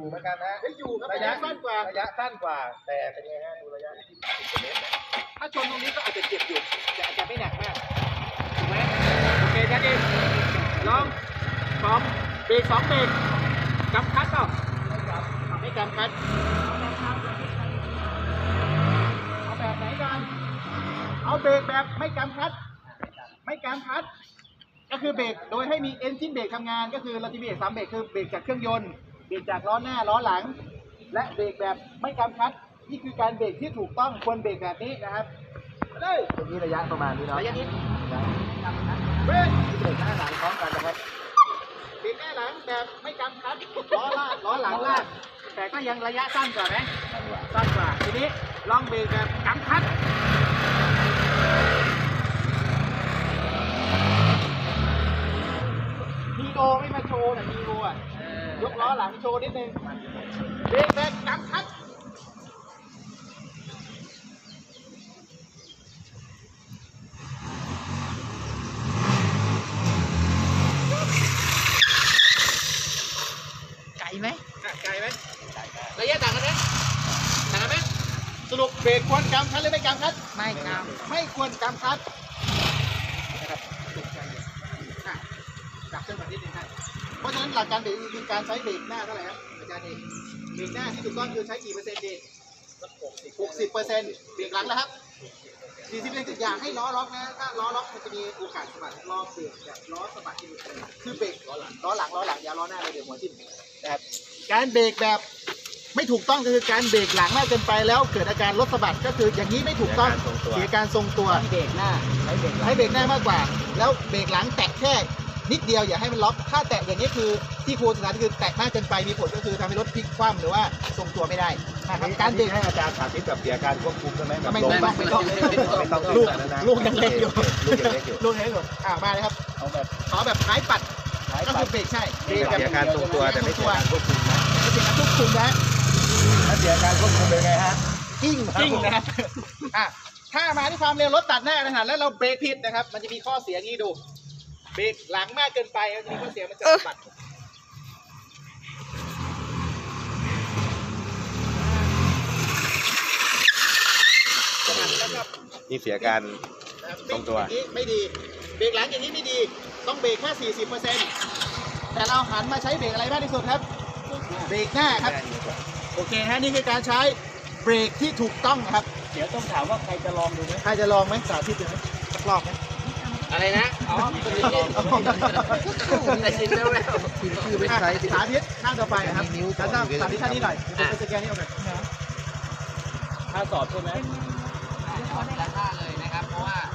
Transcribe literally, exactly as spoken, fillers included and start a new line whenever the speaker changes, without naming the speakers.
เหมือนกันนะ
อยู่ครับระยะสั้นกว่า
ระยะสั้นกว่าแต่เป็นไงฮะดูระยะที่สิบเมตร
ถ้าชนตรงนี้ก็อาจจะเจ็บอยู่แต่อาจจะไม่หนักมากถูกไหมโอเคแค่นี้ลองพร้อมเบรกสองเบรกกำคัดเปล่าไม่กำคัดเอาแบบไหนกันเอาเบรกแบบไม่กำคัดไม่กำคัดก็คือเบรกโดยให้มีเอนจินเบรกทำงานก็คือเราจะเบรกสามเบรกคือเบรกจากเครื่องยนต์เบรกจากล้อหน้าล้อหลังและเบรกแบบไม่กำคัดนี่คือการเบรกที่ถูกต้องควรเบรกแบบนี้นะครับเลย
ตรงนี้ระยะประมาณนี้เนาะ
ระยะนี้
เบรกเบรกหน้าหลังพร้อมกันนะครับ
เบรกหน้าหลังแบบไม่กำคัดล้อลากล้อหลังลากแต่ก็ยังระยะสั้นกว่าไหมสั้นกว่าทีนี้ลองเบรกแบบกำคัดมีโอไม่มาโชว์แต่มีโออ่ะยกล้อหลังโชว์นิดนึงเบรกแบบกำคัด
ไกลไหม
ไกลไหมระยะต่างกันไหมต่างกันไหมสรุปเบรกควรกำคัดหรือไม่กำคัด
ไม่กำ
ไม่ควรกำคัดนะครับจับเครื่องแบบนิดนึงครับเพราะฉะนั้นหลักการเบรกคือการใช้เบรกหน้าเท่าไหร่ครับอาจารย์เองเบรกหน้าที่ถูกต้องคือใช้กี่เปอร์เซ็นต์ดีหกสิบเปอร์เซ็นต์เบรกหลังนะครับสี่สิบเปอร์เซ็นต์อย่าให้ล้อล็อกนะถ้าล้อล็อกมันจะมีโอกาสสะบัดล้อเบรกแบบล้อสะบัดที่คือเบรกล้อหลังล้อหลังล้อหลังอย่าล้อหน้าเลยเดี๋ยวหัวทิ่มนะครับการเบรกแบบไม่ถูกต้องก็คือการเบรกหลังมากเกินไปแล้วเกิดอาการรถสะบัดก็คืออย่างนี้ไม่ถูกต้องเสียการทรงตัว
เบรกหน้า
ให้เบรกให้เบรกหน้ามากกว่าแล้วเบรกหลังแตะแค่นิดเดียวอย่าให้มันล็อกถ้าแตะอย่างนี้คือที่ครูสอนคือแตะมากเกินไปมีผลก็คือทำให้รถพลิกคว่ำหรือว่าทรงตัวไม่ได้นะครับการเบรก
ให้อาจารย์สาธิตแบบเสียการควบคุมใช่ไหม
ไม่ต้องไม่ต้อง
ไม่ต้อง
ลูกลูกยังเล็กอยู่
ลูกยังเล็กอยู่
ลูกยังเล็กอยู่อ่ามาเลยครับ
เอาแบบ
เอาแบบท้ายปัดก็คือเบรกใช่
เบรกเสียการทรงตัวแต่ไม่เสียการควบคุมนะ
ไม่เสียการควบคุมนะ
ถ้าเสียการควบคุมเป็นไงฮะ
กิ้งกิ้งนะครับอ่ะถ้ามาที่ความเร็วรถตัดหน้านะฮะแล้วเราเบรกผิดนะครับมันจะมีข้อเสียงี้ดูเบรกหลังมากเกินไปมันจะมีข้อเสียมันจะสะบัด
นี่เสียการทรงตัว
ไม่ดีเบรกหลังอย่างนี้ไม่ดีต้องเบรกแค่ สี่สิบเปอร์เซ็นต์ แต่เราหันมาใช้เบรกอะไรมากที่สุดครับเบรกหน้าครับโอเคฮะนี่คือการใช้เบรกที่ถูกต้องครับ
เดี๋ยวต้องถามว่าใครจะลองดูไหม
ใครจะลองไหมสาธิตดูไหมสักรอบไหม
อะไรนะอ๋อแต่ชินแล้วแล้ว
คือไม่ใช่สาธิตหน้าต่อไปครับแล้วก็สาธิตท่านี้หน่อยผมจะสแกนนี่เอาไป
ถ้าสอบใช่ไหมสอบแต่ท่าเลยนะครับเพราะว่า